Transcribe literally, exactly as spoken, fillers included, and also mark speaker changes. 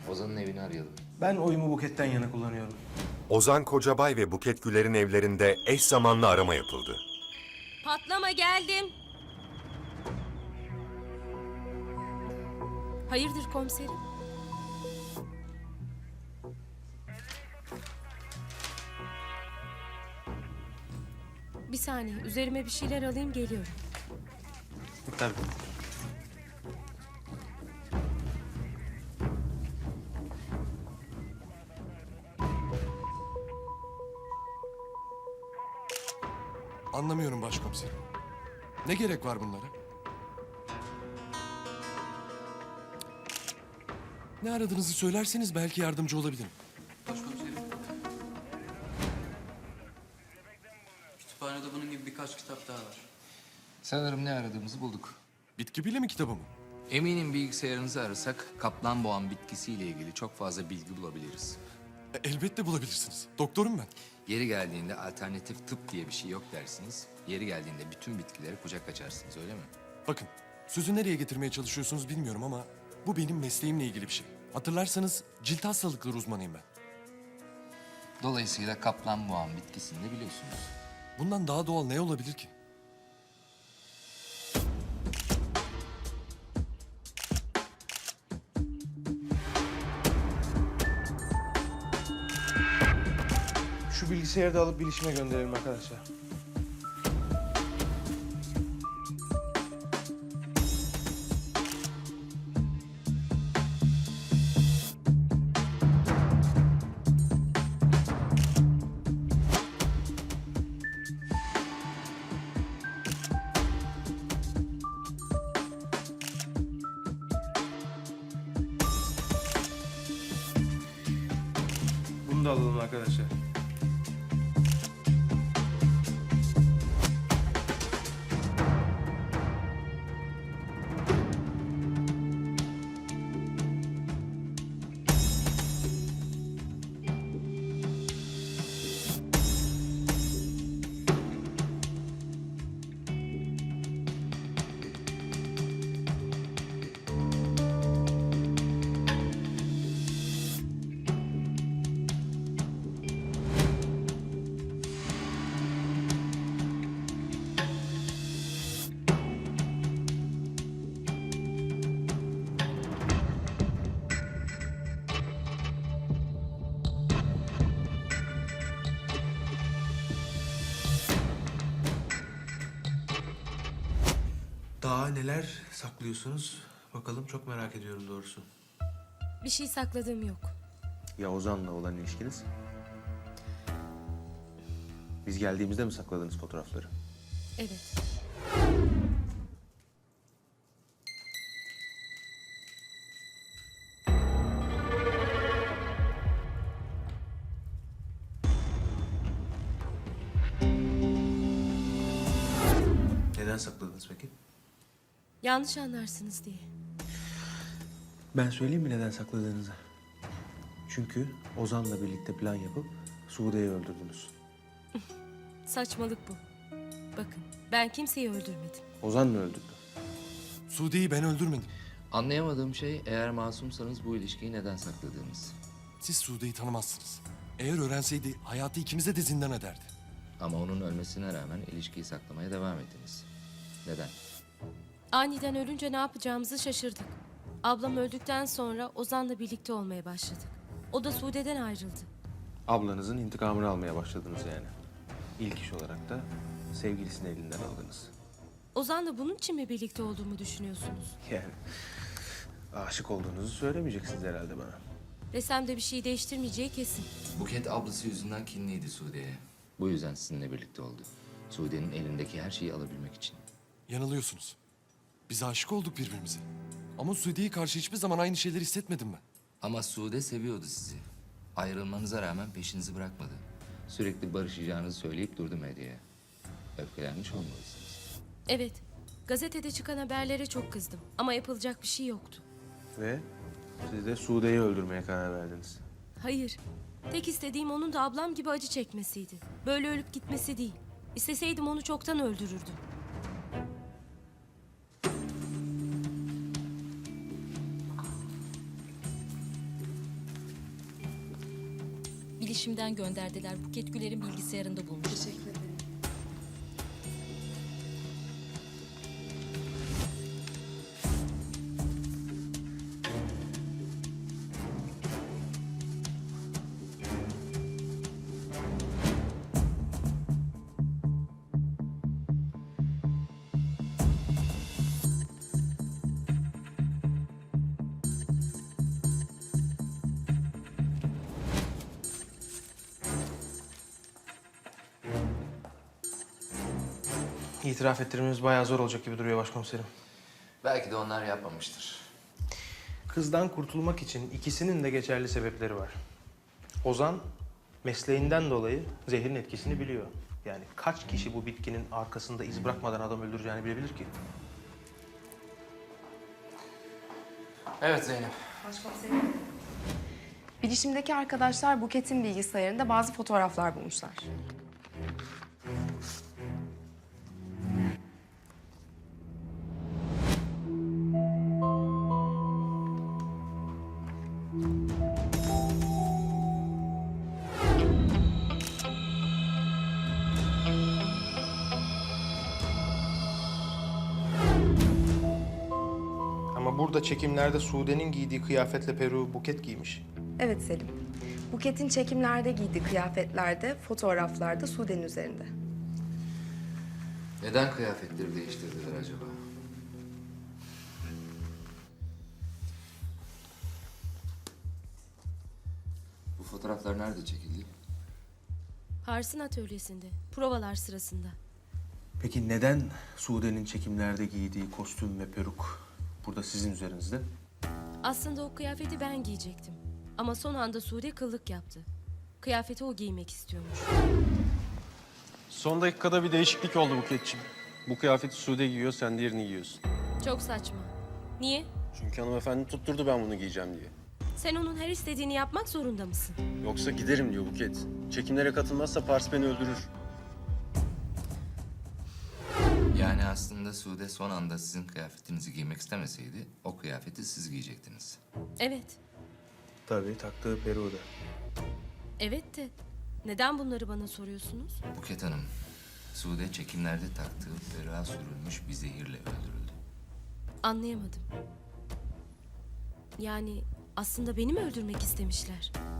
Speaker 1: Ozan'ın evini arayalım.
Speaker 2: Ben oyumu Buket'ten yana kullanıyorum.
Speaker 3: Ozan Kocabay ve Buket Güler'in evlerinde eş zamanlı arama yapıldı.
Speaker 4: Patlama geldim. Hayırdır komiserim? Bir saniye, üzerime bir şeyler alayım, geliyorum.
Speaker 2: Tabii.
Speaker 5: Anlamıyorum başkomiserim. Ne gerek var bunlara? Ne aradığınızı söylerseniz belki yardımcı olabilirim.
Speaker 6: Başkomiserim. Kütüphanede bunun gibi birkaç kitap daha var.
Speaker 1: Sanırım ne aradığımızı bulduk.
Speaker 5: Bitki bilimi kitabı mı?
Speaker 1: Eminim bilgisayarınızı arasak kaplanboğan bitkisiyle ilgili çok fazla bilgi bulabiliriz.
Speaker 5: E, elbette bulabilirsiniz. Doktorum ben.
Speaker 1: Yeri geldiğinde alternatif tıp diye bir şey yok dersiniz. Yeri geldiğinde bütün bitkilere kucak açarsınız, öyle mi?
Speaker 5: Bakın, sözü nereye getirmeye çalışıyorsunuz bilmiyorum ama bu benim mesleğimle ilgili bir şey. Hatırlarsanız cilt hastalıkları uzmanıyım ben.
Speaker 1: Dolayısıyla kaplanboğan bitkisini de biliyorsunuz.
Speaker 5: Bundan daha doğal ne olabilir ki?
Speaker 2: Şu bilgisayarı da alıp bilişime gönderelim arkadaşlar. Bunu da alalım arkadaşlar. Daha neler saklıyorsunuz? Bakalım, çok merak ediyorum doğrusu.
Speaker 4: Bir şey sakladığım yok.
Speaker 2: Ya Ozan'la olan ilişkiniz? Biz geldiğimizde mi sakladınız fotoğrafları?
Speaker 4: Evet.
Speaker 2: Neden sakladınız peki?
Speaker 4: Yanlış anlarsınız diye.
Speaker 2: Ben söyleyeyim mi neden sakladığınızı? Çünkü Ozan'la birlikte plan yapıp Sude'yi öldürdünüz.
Speaker 4: Saçmalık bu. Bakın, ben kimseyi öldürmedim.
Speaker 2: Ozan mı öldürdü?
Speaker 5: Sude'yi ben öldürmedim.
Speaker 1: Anlayamadığım şey, eğer masumsanız bu ilişkiyi neden sakladığınız.
Speaker 5: Siz Sude'yi tanımazsınız. Eğer öğrenseydi hayatı ikimize de zindan ederdi.
Speaker 1: Ama onun ölmesine rağmen ilişkiyi saklamaya devam ettiniz. Neden?
Speaker 4: Aniden ölünce ne yapacağımızı şaşırdık. Ablam öldükten sonra Ozan'la birlikte olmaya başladık. O da Sude'den ayrıldı.
Speaker 2: Ablanızın intikamını almaya başladınız yani. İlk iş olarak da sevgilisini elinden aldınız.
Speaker 4: Ozan'la bunun için mi birlikte olduğumu düşünüyorsunuz?
Speaker 2: Yani aşık olduğunuzu söylemeyeceksiniz herhalde bana.
Speaker 4: Desem de bir şey değiştirmeyeceği kesin.
Speaker 1: Buket ablası yüzünden kinliydi Sude'ye. Bu yüzden sizinle birlikte oldu. Sude'nin elindeki her şeyi alabilmek için.
Speaker 5: Yanılıyorsunuz. Biz aşık olduk birbirimize. Ama Sude'ye karşı hiçbir zaman aynı şeyleri hissetmedim ben.
Speaker 1: Ama Sude seviyordu sizi. Ayrılmanıza rağmen peşinizi bırakmadı. Sürekli barışacağınızı söyleyip durdu medyaya. Öfkelenmiş olmalısınız.
Speaker 4: Evet, gazetede çıkan haberlere çok kızdım. Ama yapılacak bir şey yoktu.
Speaker 2: Ve siz de Sude'yi öldürmeye karar verdiniz.
Speaker 4: Hayır, tek istediğim onun da ablam gibi acı çekmesiydi. Böyle ölüp gitmesi değil. İsteseydim onu çoktan öldürürdüm.
Speaker 7: bilişimden gönderdiler. Buket Güler'in bilgisayarında bulmuş.
Speaker 8: Teşekkür ederim.
Speaker 2: İtiraf ettirmemiz bayağı zor olacak gibi duruyor başkomiserim.
Speaker 1: Belki de onlar yapmamıştır.
Speaker 2: Kızdan kurtulmak için ikisinin de geçerli sebepleri var. Ozan mesleğinden dolayı zehrin etkisini biliyor. Yani kaç kişi bu bitkinin arkasında iz bırakmadan adam öldüreceğini bilebilir ki?
Speaker 1: Evet Zeynep.
Speaker 8: Başkomiserim. Bilişimdeki arkadaşlar Buket'in bilgisayarında bazı fotoğraflar bulmuşlar.
Speaker 2: Ama burada çekimlerde Sude'nin giydiği kıyafetle Peru Buket giymiş.
Speaker 8: Evet Selim. Buket'in çekimlerde giydiği kıyafetlerde, fotoğraflarda Sude'nin üzerinde.
Speaker 1: Neden kıyafetleri değiştirdiler acaba? Bu fotoğraflar nerede çekildi?
Speaker 4: Pars'ın atölyesinde, provalar sırasında.
Speaker 2: Peki neden Sude'nin çekimlerde giydiği kostüm ve peruk burada sizin üzerinizde?
Speaker 4: Aslında o kıyafeti ben giyecektim. Ama son anda Sude kıllık yaptı. Kıyafeti o giymek istiyormuş.
Speaker 9: Son dakikada bir değişiklik oldu Buketciğim. Bu kıyafeti Sude giyiyor, sen diğerini giyiyorsun.
Speaker 4: Çok saçma. Niye?
Speaker 9: Çünkü hanımefendi tutturdu ben bunu giyeceğim diye.
Speaker 4: Sen onun her istediğini yapmak zorunda mısın?
Speaker 9: Yoksa giderim diyor Buket. Çekimlere katılmazsa Pars beni öldürür.
Speaker 1: Yani aslında Sude son anda sizin kıyafetinizi giymek istemeseydi o kıyafeti siz giyecektiniz.
Speaker 4: Evet.
Speaker 2: Tabii taktığı peruğu da.
Speaker 4: Evet de neden bunları bana soruyorsunuz?
Speaker 1: Buket Hanım, Sude çekimlerde taktığı ferah sürülmüş bir zehirle öldürüldü.
Speaker 4: Anlayamadım. Yani aslında beni mi öldürmek istemişler?